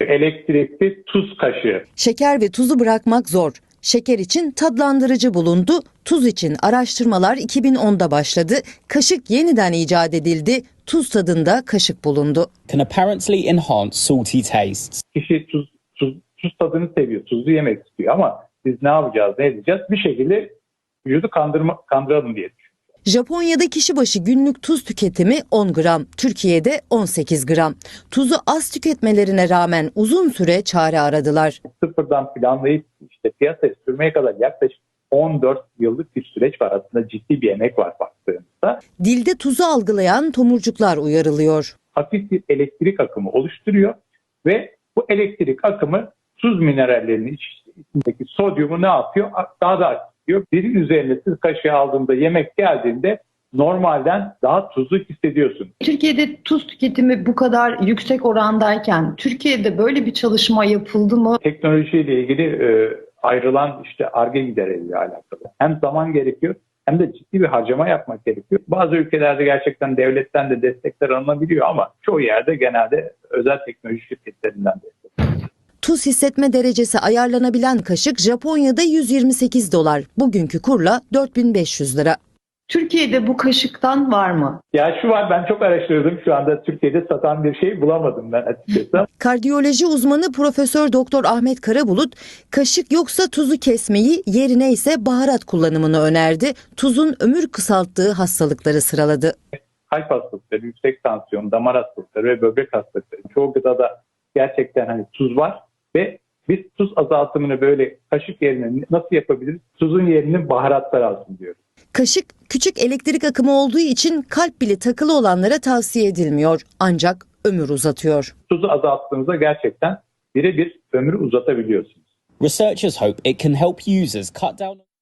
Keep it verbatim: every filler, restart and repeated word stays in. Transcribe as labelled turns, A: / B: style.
A: Elektrikli tuz kaşığı.
B: Şeker ve tuzu bırakmak zor. Şeker için tatlandırıcı bulundu, tuz için araştırmalar iki bin onda başladı. Kaşık yeniden icat edildi, tuz tadında kaşık bulundu.
C: Can apparently enhance salty tastes.
A: Kişi tuz, tuz, tuz tadını seviyor, tuzlu yemek istiyor ama biz ne yapacağız, ne edeceğiz? Bir şekilde vücudu kandırma, kandıralım diye düşünüyoruz.
B: Japonya'da kişi başı günlük tuz tüketimi on gram, Türkiye'de on sekiz gram. Tuzu az tüketmelerine rağmen uzun süre çare aradılar.
A: Sıfırdan planlayıp işte piyasaya sürmeye kadar yaklaşık on dört yıllık bir süreç var. Aslında ciddi bir emek var baktığımızda.
B: Dilde tuzu algılayan tomurcuklar uyarılıyor.
A: Hafif bir elektrik akımı oluşturuyor ve bu elektrik akımı tuz minerallerinin içindeki sodyumu ne yapıyor? Daha da artıyor. Dilin üzerine siz kaşığı aldığında, yemek geldiğinde normalden daha tuzlu hissediyorsun.
D: Türkiye'de tuz tüketimi bu kadar yüksek orandayken Türkiye'de böyle bir çalışma yapıldı mı?
A: Teknolojiyle ilgili e, ayrılan işte Ar-Ge giderleriyle alakalı. Hem zaman gerekiyor hem de ciddi bir harcama yapmak gerekiyor. Bazı ülkelerde gerçekten devletten de destekler alınabiliyor ama çoğu yerde genelde özel teknoloji şirketlerinden destek.
B: Tuz hissetme derecesi ayarlanabilen kaşık Japonya'da yüz yirmi sekiz dolar. Bugünkü kurla dört bin beş yüz lira.
D: Türkiye'de bu kaşıktan var mı?
A: Ya şu var, ben çok araştırdım. Şu anda Türkiye'de satan bir şey bulamadım ben açıkçası.
B: Kardiyoloji uzmanı Profesör Doktor Ahmet Karabulut, kaşık yoksa tuzu kesmeyi, yerine ise baharat kullanımını önerdi. Tuzun ömür kısalttığı hastalıkları sıraladı.
A: Kalp hastalıkları, yüksek tansiyon, damar hastalıkları ve böbrek hastalıkları. Çoğu gıdada gerçekten hani tuz var ve biz tuz azaltımını böyle kaşık yerine nasıl yapabiliriz? Tuzun yerini baharatlar alsın diyoruz.
B: Kaşık küçük elektrik akımı olduğu için kalp bile takılı olanlara tavsiye edilmiyor. Ancak ömür uzatıyor.
A: Tuzu azalttığınızda gerçekten birebir ömrü uzatabiliyorsunuz.
C: Researchers hope it can help users cut down